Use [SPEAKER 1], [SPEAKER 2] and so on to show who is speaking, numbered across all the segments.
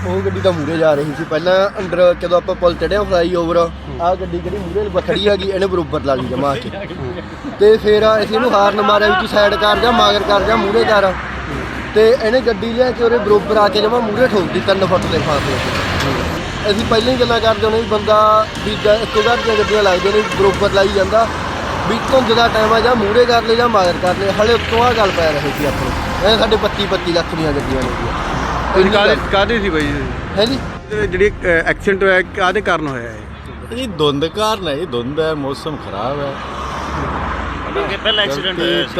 [SPEAKER 1] ਉਹ ਗੱਡੀ ਤਾਂ ਮੂਹਰੇ ਜਾ ਰਹੀ ਸੀ ਪਹਿਲਾਂ ਅੰਡਰ ਜਦੋਂ ਆਪਾਂ ਪੁਲ ਚੜਿਆ ਫਲਾਈਓਵਰ ਆਹ ਗੱਡੀ ਜਿਹੜੀ ਮੂਹਰੇ ਖੜੀ ਹੈਗੀ ਇਹਨੇ ਬਰੋਬਰ ਲਾ ਲਈ ਜਮਾ ਕੇ ਤੇ ਫਿਰ ਅਸੀਂ ਇਹਨੂੰ ਹਾਰਨ ਮਾਰਿਆ ਵੀ ਤੂੰ ਸਾਈਡ ਕਰ ਜਾ ਮਗਰ ਕਰ ਜਾ ਮੂਹਰੇ ਕਰ ਤੇ ਇਹਨੇ ਗੱਡੀ ਲਿਆ ਕੇ ਉਹਦੇ ਬਰੋਬਰ ਆ ਕੇ ਜਮਾ ਮੂਹਰੇ ਠੋਕਦੀ 3 ਫੁੱਟ ਦੇ ਫਾਸਲੇ ਤੇ ਅਸੀਂ ਪਹਿਲਾਂ ਹੀ ਗੱਲਾਂ ਕਰਦੇ ਹੁੰਦੇ ਵੀ ਬੰਦਾ ਵੀ ਇੱਕੋ ਘਰ ਦੀਆਂ ਗੱਡੀਆਂ ਲੱਗਦੀਆਂ ਨੇ ਬਰੋਬਰ ਲਾਈ ਜਾਂਦਾ ਵੀ ਧੁੰਦ ਦਾ ਟਾਈਮ ਆ ਜਾਂ ਮੂਹਰੇ ਕਰ ਲੈ ਜਾਂ ਮਗਰ ਕਰ ਲੈ ਹਲੇ ਉੱਤੋਂ ਆਹ ਗੱਲ ਪੈ ਰਹੀ ਸੀ ਆਪਣੇ ਇਹ ਸਾਡੇ 25 ਲੱਖ ਦੀਆਂ ਗੱਡੀਆਂ ਨੇ
[SPEAKER 2] ਕਾਹਦੇ ਸੀ ਬਾਈ
[SPEAKER 1] ਹੈ ਜੀ
[SPEAKER 2] ਜਿਹੜੀ ਐਕਸੀਡੈਂਟ ਹੋਇਆ ਕਾਹਦੇ ਕਾਰਨ ਹੋਇਆ ਹੈ
[SPEAKER 3] ये धुंध कारण है, धुंध है, मौसम खराब है।
[SPEAKER 4] ਪਹਿਲਾ ਐਕਸੀਡੈਂਟ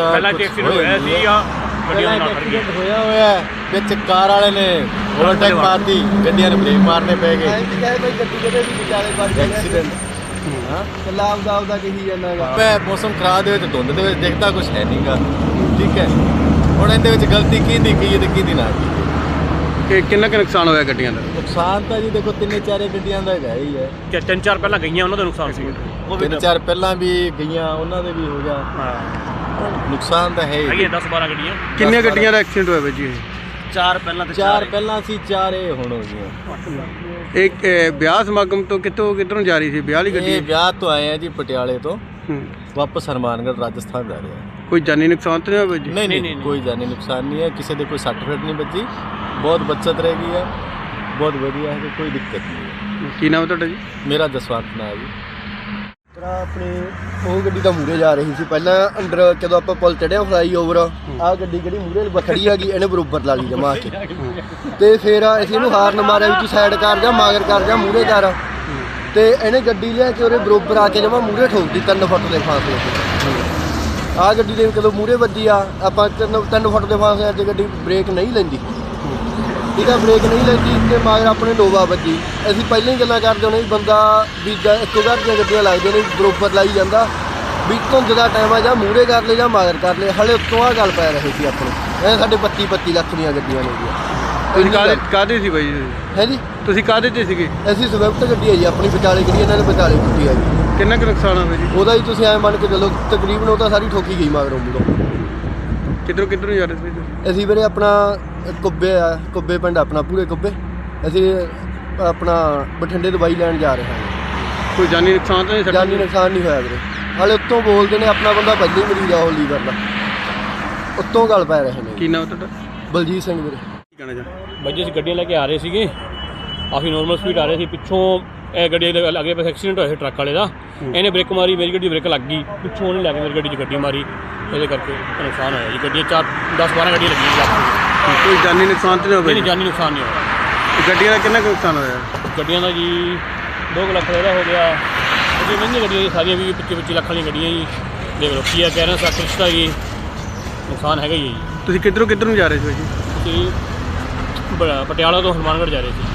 [SPEAKER 4] ਹੋਇਆ ਸੀ ਜਾਂ ਗੱਡੀਆਂ ਨਾਲ ਖੜ ਗਈਆਂ
[SPEAKER 3] ਹੋਇਆ ਹੋਇਆ ਵਿੱਚ ਕਾਰ ਵਾਲੇ ਨੇ ਓਵਰਟੇਕ ਮਾਰਤੀ ਗੱਡੀਆਂ ਨੇ ਬ੍ਰੇਕ ਮਾਰਨੇ ਪੈ ਗਏ
[SPEAKER 1] ਕੋਈ ਗੱਡੀ ਕਿਤੇ ਵੀ ਵਿਚਾਲੇ ਵੱਜ ਜਾਂਦੇ
[SPEAKER 3] ਐਕਸੀਡੈਂਟ ਹਾਂ
[SPEAKER 1] ਕੱਲਾ ਆਪਦਾ ਕਹੀ ਜਾਂਦਾਗਾ
[SPEAKER 3] ਪੈ ਮੌਸਮ ਖਰਾਬ ਦੇ ਵਿੱਚ ਧੁੰਦ ਦੇ ਵਿੱਚ ਦਿਖਦਾ ਕੁਝ ਹੈ ਨਹੀਂਗਾ ਠੀਕ ਹੈ ਹੁਣ ਇਹਦੇ ਵਿੱਚ ਗਲਤੀ ਕਿਹਦੀ ਕੀ ਤੇ ਕਿਹਦੀ ਨਾ ਕੀ
[SPEAKER 2] ਕਿ ਕਿੰਨਾ ਕੁ ਨੁਕਸਾਨ ਹੋਇਆ ਗੱਡੀਆਂ ਦਾ
[SPEAKER 3] ਨੁਕਸਾਨ ਤਾਂ ਜੀ ਦੇਖੋ 3-4 ਗੱਡੀਆਂ ਦਾ ਹੈਗਾ ਹੀ ਹੈ
[SPEAKER 4] ਕਿ 3-4 ਪਹਿਲਾਂ ਗਈਆਂ ਉਹਨਾਂ ਦਾ ਨੁਕਸਾਨ ਸੀ
[SPEAKER 3] 3-4 ਪਹਿਲਾਂ ਵੀ ਗਈਆਂ ਉਹਨਾਂ ਦੇ ਵੀ ਹੋ ਗਿਆ ਨੁਕਸਾਨ ਤਾਂ ਹੈ ਹੀ
[SPEAKER 4] 10-12 ਗੱਡੀਆਂ
[SPEAKER 2] ਕਿੰਨੀਆਂ ਗੱਡੀਆਂ ਦਾ ਐਕਸੀਡੈਂਟ ਹੋਇਆ ਬਾਈ ਜੀ
[SPEAKER 4] 4 ਪਹਿਲਾਂ ਤੇ
[SPEAKER 3] 4 ਪਹਿਲਾਂ ਸੀ 4 ਇਹ ਹੁਣ ਹੋ ਗਈਆਂ
[SPEAKER 2] ਇਹ ਵਿਆਹ ਸਮਾਗਮ ਤੋਂ ਕਿੱਧਰੋਂ ਜਾ ਰਹੀ ਸੀ ਵਿਆਹ ਵਾਲੀ ਗੱਡੀ
[SPEAKER 3] ਇਹ ਵਿਆਹ ਤੋਂ ਆਏ ਆ ਜੀ ਪਟਿਆਲੇ ਤੋਂ ਵਾਪਸ ਹਰਮਾਨਗढ़ ਰਾਜਸਥਾਨ ਜਾ ਰਹੇ ਆ
[SPEAKER 2] ਕੋਈ ਜਾਨੀ ਨੁਕਸਾਨ ਤਾਂ ਨਹੀਂ ਹੋਇਆ ਬਾਈ ਜੀ
[SPEAKER 3] ਨਹੀਂ ਕੋਈ ਜਾਨੀ ਨੁਕਸਾਨ ਨਹੀਂ ਹੈ ਕਿਸੇ ਦੇ ਕੋਈ ਸੱਟ ਫੇਟ ਨਹੀਂ ਵੱਜੀ ਬਹੁਤ ਬੱਚਤ ਰਹੇਗੀ ਹੈ ਬਹੁਤ ਵਧੀਆ ਹੈ ਕੋਈ ਦਿੱਕਤ ਨਹੀਂ ਹੈ
[SPEAKER 2] ਕੀ ਨਾਮ ਤੁਹਾਡਾ ਜੀ
[SPEAKER 3] ਮੇਰਾ ਜਸਵੰਤ ਨਾਮ ਹੈ ਜੀ
[SPEAKER 1] ਆਪਣੀ ਉਹ ਗੱਡੀ ਤਾਂ ਮੂਹਰੇ ਜਾ ਰਹੀ ਸੀ ਪਹਿਲਾਂ ਅੰਡਰ ਜਦੋਂ ਆਪਾਂ ਪੁਲ ਚੜਿਆ ਫਲਾਈਓਵਰ ਆਹ ਗੱਡੀ ਜਿਹੜੀ ਮੂਹਰੇ ਖੜੀ ਹੈਗੀ ਇਹਨੇ ਬਰੋਬਰ ਲਾ ਲਈ ਜਮਾ ਕੇ ਤੇ ਫਿਰ ਅਸੀਂ ਇਹਨੂੰ ਹਾਰਨ ਮਾਰਿਆ ਵੀ ਤੂੰ ਸਾਈਡ ਕਰ ਜਾ ਮਗਰ ਕਰ ਜਾ ਮੂਹਰੇ ਕਰ ਤੇ ਇਹਨੇ ਗੱਡੀ ਲਿਆ ਕੇ ਉਹਦੇ ਬਰੋਬਰ ਆ ਕੇ ਜਮਾ ਮੂਹਰੇ ਠੋਕਦੀ 3 ਫੁੱਟ ਦੇ ਫਾਸਲੇ ਤੇ ਆਹ ਗੱਡੀ ਦੇ ਕਦੋਂ ਮੂਹਰੇ ਵੱਜੀ ਆ ਆਪਾਂ 3 ਫੁੱਟ ਦੇ ਫਾਸਲੇ 'ਚ ਗੱਡੀ ਬ੍ਰੇਕ ਨਹੀਂ ਲੈਂਦੀ ਠੀਕ ਆ ਬ੍ਰੇਕ ਨਹੀਂ ਲੈਂਦੀ ਤੇ ਮਗਰ ਆਪਣੇ ਨੋਵਾ ਵੱਜੀ ਅਸੀਂ ਪਹਿਲਾਂ ਹੀ ਗੱਲਾਂ ਕਰਦੇ ਹੁੰਦੇ ਵੀ ਬੰਦਾ ਵੀ ਇੱਕੋ ਘਰ ਦੀਆਂ ਗੱਡੀਆਂ ਲੱਗਦੀਆਂ ਨੇ ਬਰੋਬਰ ਲਾਈ ਜਾਂਦਾ ਵੀ ਧੁੰਦ ਦਾ ਟਾਈਮ ਆ ਜਾਂ ਮੂਹਰੇ ਕਰ ਲੈ ਜਾਂ ਮਗਰ ਕਰ ਲੈ ਹਲੇ ਉੱਤੋਂ ਆਹ ਗੱਲ ਪੈ ਰਹੀ ਸੀ ਆਪਣੇ ਇਹ ਸਾਡੇ 25 ਲੱਖ ਦੀਆਂ ਗੱਡੀਆਂ ਨੇ
[SPEAKER 2] ਕਾਹਦੇ ਸੀ ਬਾਈ ਜੀ
[SPEAKER 1] ਹੈ ਜੀ
[SPEAKER 2] ਤੁਸੀਂ ਕਾਹਦੇ ਤੇ ਸੀਗੇ
[SPEAKER 1] ਅਸੀਂ ਸਵਿਫਟ ਗੱਡੀ ਹੈ ਜੀ ਆਪਣੀ ਵਿਚਾਲੇ ਗੱਡੀ ਇਹਨਾਂ ਨੇ ਵਿਚਾਲੇ ਕੀਤੀ ਹੈ ਜੀ
[SPEAKER 2] ਕਿੰਨਾ ਕੁ ਨੁਕਸਾਨ ਹੋਇਆ ਜੀ
[SPEAKER 1] ਉਹਦਾ ਹੀ ਤੁਸੀਂ ਐਂ ਮੰਨ ਕੇ ਚੱਲੋ ਤਕਰੀਬਨ ਉਹ ਤਾਂ ਸਾਰੀ ਠੋਕੀ ਗਈ ਮਗਰੋਂ ਮੂਹਰੋਂ
[SPEAKER 2] ਕਿੱਧਰੋਂ ਜਾ ਰਹੇ ਸੀ ਤੁਸੀਂ
[SPEAKER 1] ਅਸੀਂ ਵੀਰੇ ਆਪਣਾ ਕੁੱਬੇ ਪਿੰਡ ਆਪਣਾ ਪੂਰੇ ਕੁੱਬੇ ਅਸੀਂ ਆਪਣਾ ਬਠਿੰਡੇ ਦਵਾਈ ਲੈਣ ਜਾ ਰਹੇ ਹਾਂ
[SPEAKER 2] ਕੋਈ ਜਾਨੀ ਨੁਕਸਾਨ ਤਾਂ ਨਹੀਂ
[SPEAKER 1] ਜਾਨੀ ਨੁਕਸਾਨ ਨਹੀਂ ਹੋਇਆ ਵੀਰੇ ਹਾਲੇ ਉੱਤੋਂ ਬੋਲਦੇ ਨੇ ਆਪਣਾ ਬੰਦਾ ਪਹਿਲਾਂ ਹੀ ਮਰੀਜ਼ ਆ ਉਹ ਲੀਵਰ ਦਾ ਉੱਤੋਂ ਗੱਲ ਪੈ ਰਹੇ ਨੇ
[SPEAKER 2] ਕੀ ਨਾਮ ਤੁਹਾਡਾ
[SPEAKER 1] ਬਲਜੀਤ ਸਿੰਘ ਵੀਰੇ
[SPEAKER 2] ਕੀ ਕਹਿਣਾ ਚਾਹੁੰਦੇ
[SPEAKER 4] ਬੱਜੇ ਅਸੀਂ ਗੱਡੀਆਂ ਲੈ ਕੇ ਆ ਰਹੇ ਸੀਗੇ ਕਾਫੀ ਨੋਰਮਲ ਸਪੀਡ ਆ ਰਹੇ ਸੀ ਪਿੱਛੋਂ ਇਹ ਗੱਡੀ ਦੇ ਅੱਗੇ ਪਾਸੇ ਐਕਸੀਡੈਂਟ ਹੋਇਆ ਸੀ ਟਰੱਕ ਵਾਲੇ ਦਾ ਇਹਨੇ ਬ੍ਰੇਕ ਮਾਰੀ ਮੇਰੀ ਗੱਡੀ ਬ੍ਰੇਕ ਲੱਗ ਗਈ ਪਿੱਛੋਂ ਉਹਨੇ ਲੈ ਕੇ ਮੇਰੀ ਗੱਡੀ 'ਚ ਗੱਡੀ ਮਾਰੀ ਇਹਦੇ ਕਰਕੇ ਨੁਕਸਾਨ ਹੋਇਆ ਜੀ ਗੱਡੀਆਂ 10-12 ਗੱਡੀਆਂ ਲੱਗੀਆਂ
[SPEAKER 2] ਕੋਈ ਜਾਨੀ ਨੁਕਸਾਨ ਤਾਂ ਨਹੀਂ ਹੋਇਆ
[SPEAKER 4] ਨਹੀਂ ਜਾਨੀ ਨੁਕਸਾਨ ਨਹੀਂ ਹੋਇਆ
[SPEAKER 2] ਗੱਡੀਆਂ ਦਾ ਕਿੰਨਾ ਕੁ ਨੁਕਸਾਨ ਹੋਇਆ
[SPEAKER 4] ਗੱਡੀਆਂ ਦਾ ਜੀ 2 ਲੱਖ ਦਾ ਹੋ ਗਿਆ ਉਹਦੀ ਮਹਿੰਗੀਆਂ ਗੱਡੀਆਂ ਜੀ ਸਾਰੀਆਂ ਵੀ 25 ਲੱਖ ਵਾਲੀਆਂ ਗੱਡੀਆਂ ਜੀ ਦੇਖ ਲਓ ਕੀ ਕਹਿ ਰਹੇ ਸਾ ਕ੍ਰਿਸ਼ਤਾ ਜੀ ਨੁਕਸਾਨ ਹੈਗਾ ਹੀ ਹੈ ਜੀ
[SPEAKER 2] ਤੁਸੀਂ ਕਿੱਧਰੋਂ ਜਾ ਰਹੇ ਸੀ ਜੀ
[SPEAKER 4] ਅਸੀਂ ਪਟਿਆਲਾ ਤੋਂ ਹਰਮਾਨਗढ़ ਜਾ ਰਹੇ ਸੀ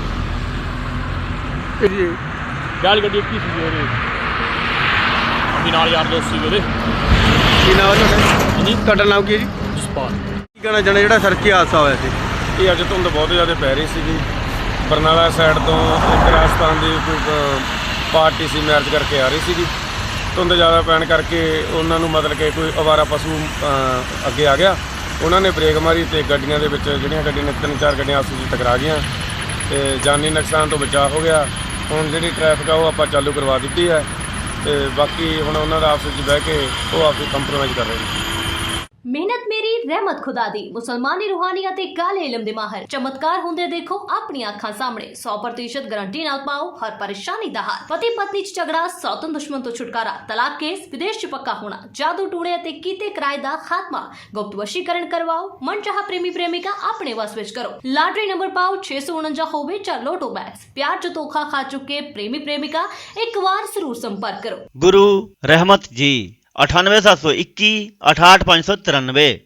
[SPEAKER 2] ਜੀ
[SPEAKER 4] ਗਾਲ ਗੱਡੀ ਕੀ ਸੀ ਉਹਦੇ ਅਸੀਂ ਨਾਲ ਯਾਰ ਦੋਸਤ ਸੀ ਉਹਦੇ
[SPEAKER 2] ਕੀ ਨਾਮ ਹੈ
[SPEAKER 4] ਜੀ
[SPEAKER 2] ਤੁਹਾਡਾ ਨਾਮ ਕੀ ਹੈ ਜੀ
[SPEAKER 4] ਜਸਪਾਲ
[SPEAKER 2] ਕੀ ਕਹਿਣਾ ਚਾਹੁੰਦੇ ਜਿਹੜਾ ਸੜਕੀ ਹਾਦਸਾ ਹੋਇਆ ਸੀ
[SPEAKER 5] ਇਹ ਅੱਜ ਧੁੰਦ ਬਹੁਤ ਜ਼ਿਆਦਾ ਪੈ ਰਹੀ ਸੀ ਜੀ ਬਰਨਾਲਾ ਸਾਈਡ ਤੋਂ ਇੱਕ ਰਾਜਸਥਾਨ ਦੀ ਕੋਈ ਪਾਰਟੀ ਸੀ ਮੈਰਿਜ ਕਰਕੇ ਆ ਰਹੀ ਸੀ ਜੀ ਧੁੰਦ ਜ਼ਿਆਦਾ ਪੈਣ ਕਰਕੇ ਉਹਨਾਂ ਨੂੰ ਮਤਲਬ ਕਿ ਕੋਈ ਅਵਾਰਾ ਪਸ਼ੂ ਅੱਗੇ ਆ ਗਿਆ ਉਹਨਾਂ ਨੇ ਬ੍ਰੇਕ ਮਾਰੀ ਅਤੇ ਗੱਡੀਆਂ ਦੇ ਵਿੱਚ ਜਿਹੜੀਆਂ ਗੱਡੀਆਂ ਨੇ 3-4 ਗੱਡੀਆਂ ਆਪਸ ਵਿੱਚ ਟਕਰਾ ਗਈਆਂ ਅਤੇ ਜਾਨੀ ਨੁਕਸਾਨ ਤੋਂ ਬਚਾਅ ਹੋ ਗਿਆ ਹੁਣ ਜਿਹੜੀ ਟ੍ਰੈਫਿਕ ਆ ਉਹ ਆਪਾਂ ਚਾਲੂ ਕਰਵਾ ਦਿੱਤੀ ਹੈ ਅਤੇ ਬਾਕੀ ਹੁਣ ਉਹਨਾਂ ਦਾ ਆਪਸ ਵਿੱਚ ਬਹਿ ਕੇ ਉਹ ਆਪਸ ਕੰਪਰੋਮਾਈਜ਼ ਕਰ ਰਹੇ ਨੇ
[SPEAKER 6] ਮਿਹਨਤ ਮੇਰੀ ਰਹਿਮਤ ਖੁਦਾ ਦੀ ਮੁਸਲਮਾਨੀ ਰੂਹਾਨੀਅਤ ਤੇ ਕਾਲੇ ਇਲਮ ਦੇ ਮਾਹਰ ਚਮਤਕਾਰ ਹੁੰਦੇ ਦੇਖੋ ਆਪਣੀਆਂ ਅੱਖਾਂ ਸਾਹਮਣੇ 100% ਗਾਰੰਟੀ ਨਾਲ ਪਾਓ ਹਰ ਪਰੇਸ਼ਾਨੀ ਦਾ ਹੱਲ ਪਤੀ ਪਤਨੀ ਚ ਝਗੜਾ ਸੌਤਨ ਦੁਸ਼ਮਣ ਤੋਂ ਛੁਟਕਾਰਾ ਤਲਾਕ ਕੇਸ ਵਿਦੇਸ਼ ਚ ਪੱਕਾ ਹੋਣਾ ਜਾਦੂ ਟੂਣੇ ਅਤੇ ਕੀਤੇ ਕਿਰਾਏ ਦਾ ਖਾਤਮਾ ਗੁਪਤ ਵਸ਼ੀਕਰਨ ਕਰਵਾਓ ਮਨਚਾਹਾ ਪ੍ਰੇਮੀ ਪ੍ਰੇਮਿਕਾ ਆਪਣੇ ਵਸ ਵਿੱਚ ਕਰੋ ਲਾਟਰੀ ਨੰਬਰ ਪਾਓ 649 ਹੋਵੇ ਜਾਂ ਲੋਟੋ ਬੈਗਸ ਪਿਆਰ ਚ ਧੋਖਾ ਖਾ ਚੁੱਕੇ ਪ੍ਰੇਮੀ ਪ੍ਰੇਮਿਕਾ ਇੱਕ ਵਾਰ ਜ਼ਰੂਰ ਸੰਪਰਕ ਕਰੋ
[SPEAKER 7] गुरु रहमत जी 98721 68593